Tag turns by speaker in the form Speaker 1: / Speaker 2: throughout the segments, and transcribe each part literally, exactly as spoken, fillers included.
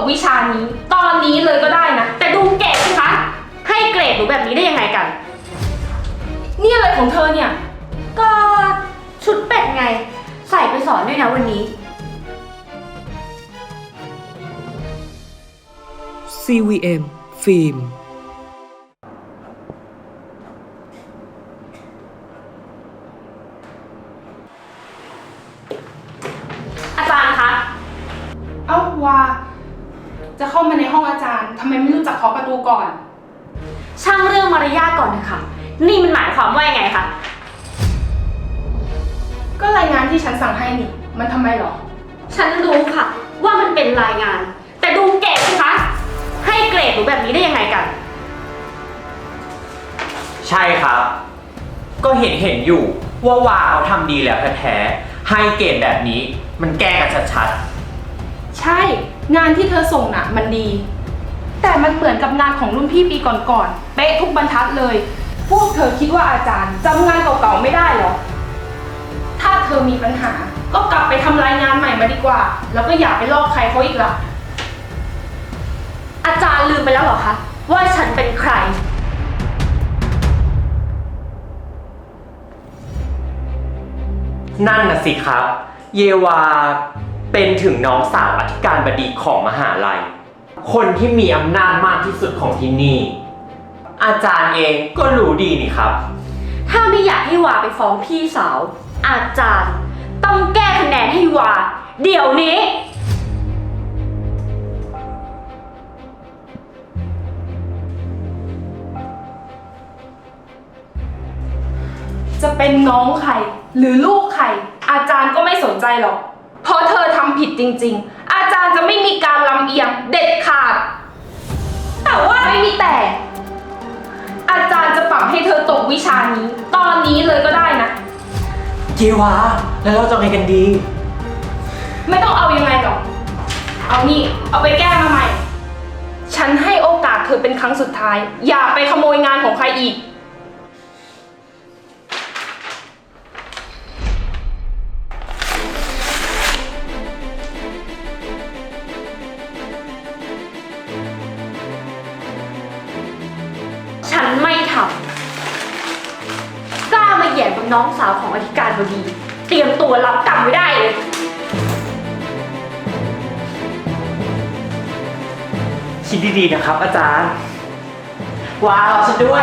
Speaker 1: วิชานี้ตอนนี้เลยก็ได้นะแต่ดูเก่งสิคะให้เกรดหนูแบบนี้ได้ยังไงกันนี่อะไรของเธอเนี่ยก็ชุดเป็ดไงใส่ไปสอนด้วยนะวันนี้
Speaker 2: ซี วี เอ็ม ฟิล์ม
Speaker 1: อาจารย์คะ
Speaker 3: เอ้าว่าจะเข้ามาในห้องอาจารย์ทำไมไม่รู้จักเคาะประตูก่อน
Speaker 1: ช่างเรื่องมารยาทก่อนนะคะนี่มันหมายความว่ายังไงคะ
Speaker 3: ก็รายงานที่ฉันสั่งให้นี่มันทำไมหรอ
Speaker 1: ฉันรู้ค่ะว่ามันเป็นรายงานแต่ดูเก่งสิคะให้เกรดหนูแบบนี้ได้ยังไงกัน
Speaker 4: ใช่ครับก็เห็นเห็นอยู่ว่าวาเขาทำดีแล้วแท้ๆให้เกรดแบบนี้มันแก้กันชัด
Speaker 3: ๆใช่งานที่เธอส่งน่ะมันดีแต่มันเหมือนกับงานของรุ่นพี่ปีก่อนๆเป๊ะทุกบรรทัดเลยพวกเธอคิดว่าอาจารย์จำงานเก่าๆไม่ได้หรอถ้าเธอมีปัญหาก็กลับไปทำรายงานใหม่มาดีกว่าแล้วก็อย่าไปลอกใครเขาอีกละ
Speaker 1: อาจารย์ลืมไปแล้วเหรอคะว่าฉันเป็นใคร
Speaker 4: นั่นน่ะสิครับเยวาเป็นถึงน้องสาวอธิการบดีของมหาลัยคนที่มีอำนาจมากที่สุดของที่นี่อาจารย์เองก็รู้ดีนี่ครับ
Speaker 1: ถ้าไม่อยากให้วาไปฟ้องพี่สาวอาจารย์ต้องแก้คะแนนให้วาเดี๋ยวนี้
Speaker 3: จะเป็นน้องใครหรือลูกใครอาจารย์ก็ไม่สนใจหรอกเพราะเธอทำผิดจริงๆอาจารย์จะไม่มีการลำเอียงเด็ดขาดแต่ว่าไม่มีแต่อาจารย์จะปรับให้เธอตกวิชานี้ตอนนี้เลยก็ได้นะ
Speaker 4: เยวาแล้วเราจะไงกันดี
Speaker 3: ไม่ต้องเอายังไงหรอกเอานี่เอาไปแก้มาใหม่ฉันให้โอกาสเธอเป็นครั้งสุดท้ายอย่าไปขโมยงานของใครอีก
Speaker 1: ฉันไม่ทำกล้ามาแย่งกับน้องสาวของอธิการบดีเตรียมตัวรับกรรมไว้ได้เลย
Speaker 4: คิดดีๆนะครับอาจารย์ว้าวฉันด้วย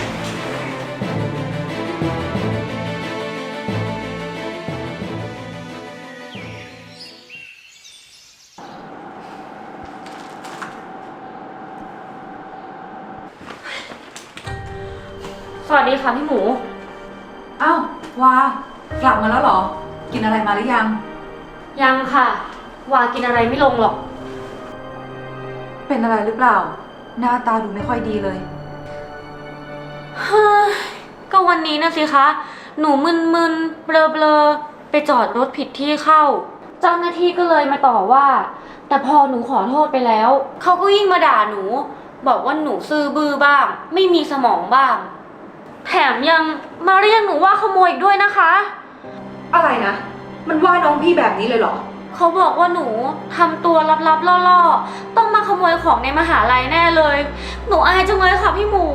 Speaker 1: สวัสดีค่ะพี่หมู
Speaker 5: อ้าววากลับมาแล้วเหรอกินอะไรมาหรือยัง
Speaker 1: ยังค่ะวากินอะไรไม่ลงหรอก
Speaker 5: เป็นอะไรหรือเปล่าหน้าตาดูไม่ค่อยดีเลย
Speaker 1: ฮ้ก็วันนี้นะสิคะหนูมึนๆเบลอๆไปจอดรถผิดที่เข้าเจ้าหน้าที่ก็เลยมาต่อว่าแต่พอหนูขอโทษไปแล้วเขาก็ยิ่งมาด่าหนูบอกว่าหนูซื่อบื้อบ้างไม่มีสมองบ้างแถมยังมาเรียกหนูว่าขโมยอีกด้วยนะคะ
Speaker 5: อะไรนะมันว่าน้องพี่แบบนี้เลยเหรอ
Speaker 1: เขาบอกว่าหนูทำตัวลับๆล่อๆต้องมาขโมยของในมหาลัยแน่เลยหนูอายจังเลยค่ะพี่หมู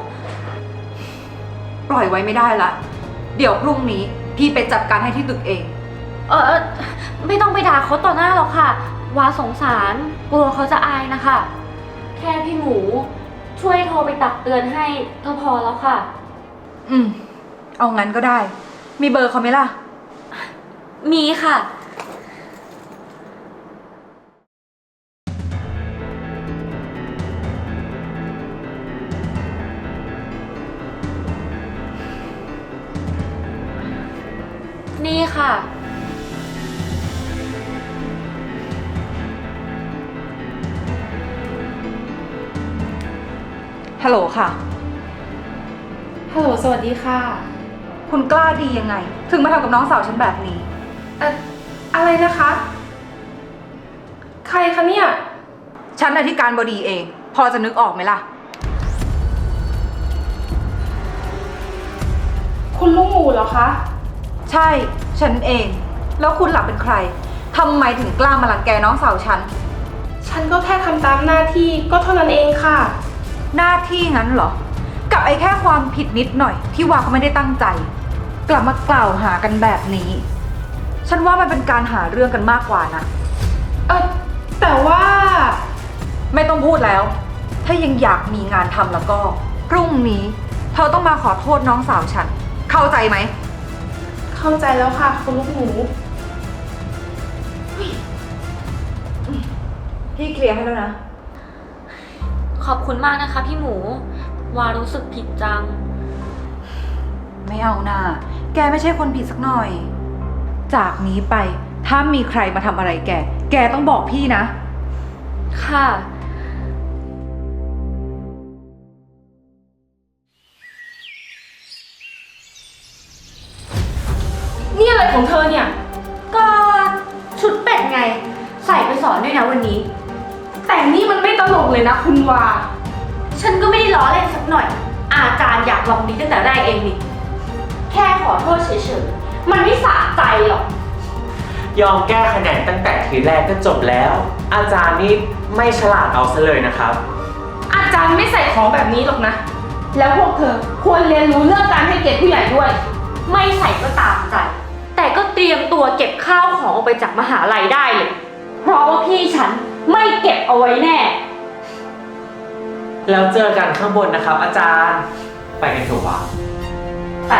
Speaker 5: ปล่อยไว้ไม่ได้ละเดี๋ยวพรุ่งนี้พี่ไปจัดการให้ที่ตึกเอง
Speaker 1: เออไม่ต้องไปด่าเขาต่อหน้าหรอกค่ะวาสงสารกลัวเขาจะอายนะคะแค่พี่หมูช่วยโทรไปตักเตือนให้ก็พอแล้วค่ะ
Speaker 5: อืมเอางั้นก็ได้มีเบอร์เขาไหมล่ะ
Speaker 1: มีค่ะนี่ค่ะ
Speaker 5: ฮัลโหลค่ะ
Speaker 3: ฮัลโหลสวัสดีค่ะ
Speaker 5: คุณกล้าดียังไงถึงมาทำกับน้องสาวฉันแบบนี้
Speaker 3: เอ่ออะไรนะคะใครคะเนี่ย
Speaker 5: ฉันอธิการบดีเองพอจะนึกออกไหมล่ะ
Speaker 3: คุณลุงหมูเหรอคะ
Speaker 5: ใช่ฉันเองแล้วคุณหลักเป็นใครทำไมถึงกล้ามาลังแกน้องสาวฉัน
Speaker 3: ฉันก็แค่ทำตามหน้าที่ก็เท่านั้นเองค่ะ
Speaker 5: หน้าที่งั้นเหรอ กับไอ้แค่ความผิดนิดหน่อยที่วาเขาไม่ได้ตั้งใจ กลับมากล่าวหากันแบบนี้ ฉันว่ามันเป็นการหาเรื่องกันมากกว่านะ
Speaker 3: เออแต่ว่า
Speaker 5: ไม่ต้องพูดแล้ว ถ้ายังอยากมีงานทำแล้วก็ พรุ่งนี้ เธอต้องมาขอโทษน้องสาวฉัน เข้าใจไหม
Speaker 3: เข้าใจแล้วค่ะคุณลูกหมู
Speaker 5: พี่เคลียร์ให้แล้วนะ
Speaker 1: ขอบคุณมากนะคะพี่หมู วารู้สึกผิดจัง
Speaker 5: ไม่เอาหน่าแกไม่ใช่คนผิดสักหน่อย จากนี้ไป ถ้ามีใครมาทำอะไรแก แกต้องบอกพี่นะ
Speaker 1: ค่ะ
Speaker 3: นี่อะไรของเธอเนี่ย
Speaker 1: ก็ชุดเป็ดไง ใส่ไปสอนด้วยนะวันนี้
Speaker 3: แต่นี่มันไม่ตลกเลยนะคุณวา
Speaker 1: ฉันก็ไม่ได้ล้อเล่นสักหน่อย อาจารย์อยากลองดีตั้งแต่แรกเองนี่ แค่ขอโทษเฉยๆ มันไม่สะใจหรอก
Speaker 4: ยอมแก้คะแนนตั้งแต่ทีแรกก็จบแล้ว อาจารย์นี่ไม่ฉลาดเอาซะเลยนะครับ
Speaker 3: อาจารย์ไม่ใส่ของแบบนี้หรอกนะ แล้วพวกเธอควรเรียนรู้เรื่องการให้เกียรติผู้ใหญ่ด้วย
Speaker 1: ไม่ใส่ก็ตามใจ แต่ก็เตรียมตัวเก็บข้าวของออกไปจากมหาลัยได้เลย เพราะว่าพี่ฉันไม่เก็บเอาไว้แน่
Speaker 4: แล้วเจอกันข้างบนนะครับ อาจารย์ ไปกันเถอะวะ
Speaker 1: แต่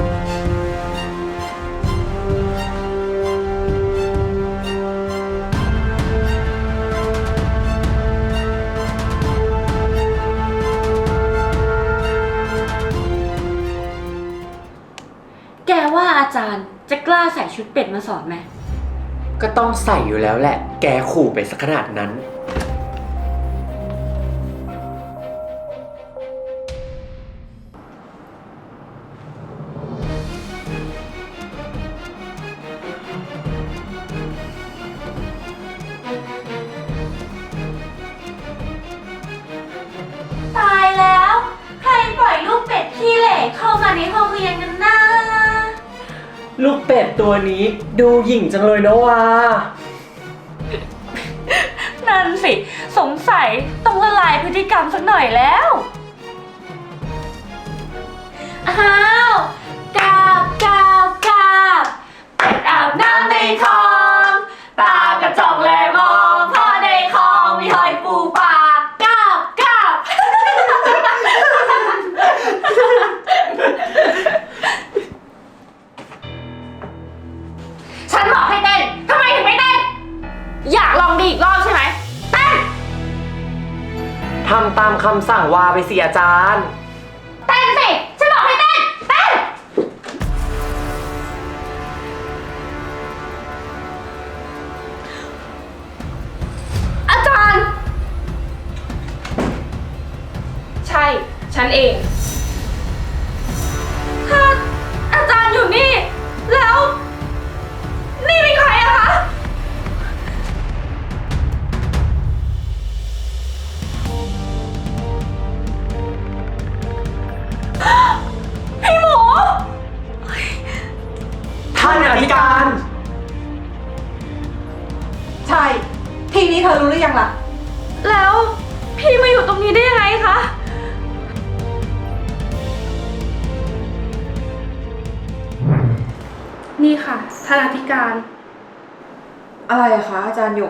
Speaker 1: แกว่าอาจารย์จะกล้าใส่ชุดเป็ดมาสอนไหม
Speaker 4: ก็ต้องใส่อยู่แล้วแหละ แกขู่ไปสักขนาดนั้น
Speaker 1: ตายแล้ว ใครปล่อยลูกเป็ดขี้เหร่เข้ามาในห้องเรียนกันนะ
Speaker 4: ลูกเป็ดตัวนี้ดูหยิ่งจังเลยนะวะ
Speaker 1: นั่นสิ สงสัยต้องละลายพฤติกรรมสักหน่อยแล้ว อ้าวกาบกาบกาบเป็ดอาบน้ำในคลอง ตากระจอกแลมองพ่อในคลองมีหอยปูปลากาบกาบ ฉันบอกให้เต้น ทำไมถึงไม่เต้น อยากลองดีอีกรอบใช่ไหมเต้น
Speaker 4: ทำตามคำสั่งวาไปสิอาจารย์
Speaker 1: เต้นสิ ฉันบอกให้เต้น เต้น อาจารย์
Speaker 3: ใช่ ฉันเอง
Speaker 1: ถ้าอาจารย์อยู่นี่ แล้ว นี่เป็นใครอะคะ พี่หมู
Speaker 4: ท่านอธิการ
Speaker 5: ใช่ ทีนี้เธอรู้หรือยังล่ะ
Speaker 1: แล้วพี่มาอยู่ตรงนี้ได้ยังไงคะ
Speaker 3: นี่ค่ะท่านอธิการ
Speaker 5: อะไรอะคะอาจารย์หยก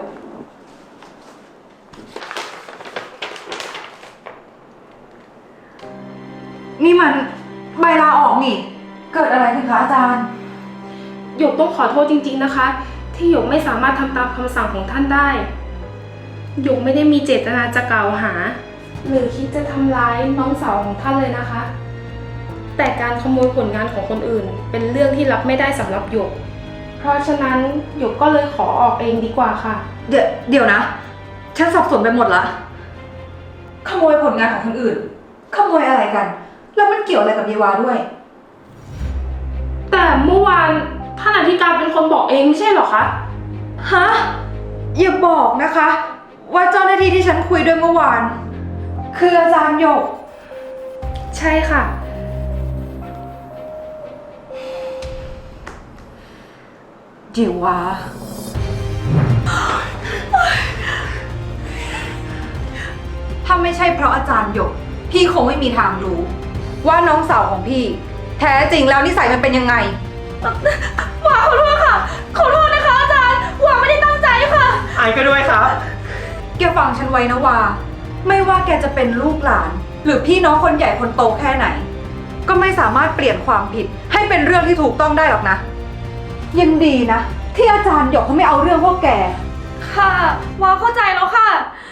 Speaker 5: นี่มันใบลาออกนี่ เกิดอะไรขึ้นคะอาจารย์
Speaker 3: หยกต้องขอโทษจริงๆนะคะ ที่หยกไม่สามารถทำตามคำสั่งของท่านได้ หยกไม่ได้มีเจตนาจะกล่าวหา หรือคิดจะทำร้ายน้องสาวของท่านเลยนะคะ แต่การขโมยผลงานของคนอื่น เป็นเรื่องที่รับไม่ได้สำหรับหยก เพราะฉะนั้นหยกก็เลยขอออกเองดีกว่าค่ะ
Speaker 5: เดี๋ยวเดี๋ยวนะ ฉันสับสนไปหมดละ ขโมยผลงานของคนอื่น ขโมยอะไรกัน แล้วมันเกี่ยวอะไรกับเยวาด้วย
Speaker 3: แต่เมื่อวานท่านอธิการเป็นคนบอกเองไม่ใช่เหรอคะ
Speaker 5: ฮะ อย่าบอกนะคะ ว่าเจ้าหน้าที่ที่ฉันคุยด้วยเมื่อวาน คืออาจารย์หยก
Speaker 3: ใช่ค่ะ
Speaker 5: เดี๋ยววะถ้าไม่ใช่เพราะอาจารย์หยก พี่คงไม่มีทางรู้ ว่าน้องสาวของพี่ แท้จริงแล้วนิสัยมันเป็นยังไง
Speaker 1: หวาขอโทษค่ะ ขอโทษนะคะอาจารย์หวาไม่ได้ตั้งใจค่ะ
Speaker 4: ไอก็ด้วยครับ
Speaker 5: แกฟังฉันไว้นะว่า ไม่ว่าแกจะเป็นลูกหลาน หรือพี่น้องคนใหญ่คนโตแค่ไหน ก็ไม่สามารถเปลี่ยนความผิดให้เป็นเรื่องที่ถูกต้องได้หรอกนะ ยังดีนะ ที่อาจารย์หยกเขาไม่เอาเรื่องพวกแก
Speaker 1: ค่ะหวาเข้าใจแล้วค่ะ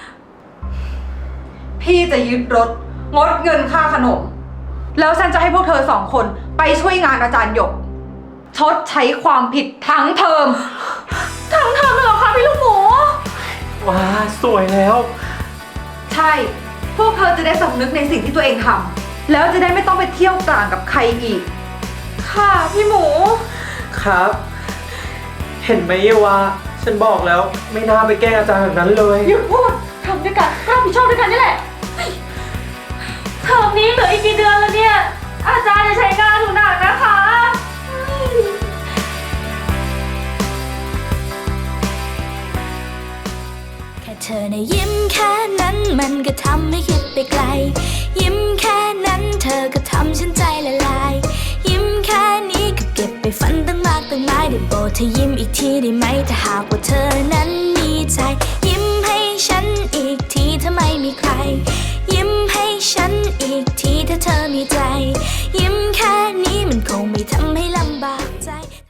Speaker 5: พี่จะยึดรถงดเงินค่าขนม แล้วฉันจะให้พวกเธอสองคนไปช่วยงานอาจารย์หยก ชดใช้ความผิดทั้งเทอม
Speaker 1: ทั้งเทอมเลยเหรอคะพี่ลูกหมู
Speaker 4: ว้า สวยแล้ว
Speaker 5: ใช่ พวกเธอจะได้สำนึกในสิ่งที่ตัวเองทำแล้วจะได้ไม่ต้องไปเที่ยวกลางกับใครอีก
Speaker 1: ค่ะพี่หมู
Speaker 4: ครับ เห็นไหมเยวา ฉันบอกแล้วไม่น่าไปแกล้งอาจารย์แบบนั้นเลย
Speaker 1: หยุดพูดทำด้วยกันก็รับผิดชอบด้วยกันนี่แหละเทอมนี้เหลืออีกกี่เดือนแล้วเนี่ย อาจารย์จะใช้งานหนูหนักนะคะ
Speaker 6: แค่เธอในะยิ้มแค่นั้นมันก็ทำให้คิดไปไกล ยิ้มแค่นั้นเธอก็ทำฉันใจละลาย ยิ้มแค่นี้ก็เก็บไปฝันตั้งมากตั้งหลายได้โปรดเธอยิ้มอีกทีได้ไหมถ้าหากว่าเธอนั้น